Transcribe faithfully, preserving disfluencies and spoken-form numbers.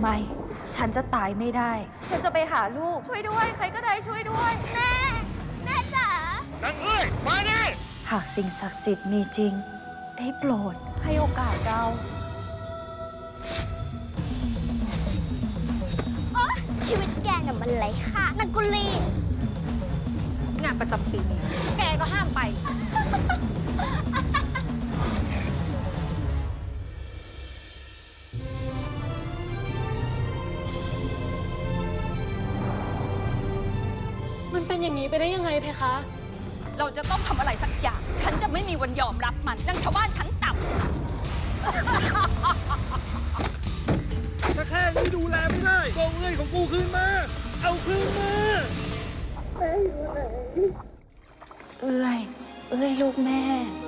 ไม่ ฉันจะตายไม่ได้ ฉันจะไปหาลูก ช่วยด้วย ใครก็ได้ช่วยด้วยแม่ แม่จ๋านางเอ้ย มาดิหากสิ่งศักดิ์สิทธิ์มีจริง ได้โปรดให้โอกาสเราโอ๊ยชีวิตแกน่ะมันไร้ค่านางกุลีงานประจำปีนี้แกก็ห้ามไปมันเป็นอย่างนี้ไปได้ยังไงเพคะเราจะต้องทำอะไรสักอย่าง ฉันจะไม่มีวันยอมรับมันดังชาวบ้านชั้นต่ำถ้าแค่นี้ดูแลไม่ได้ก็เอาเงินของกูคืนมา เอาคืนมาเอ้ย เอ้ยลูกแม่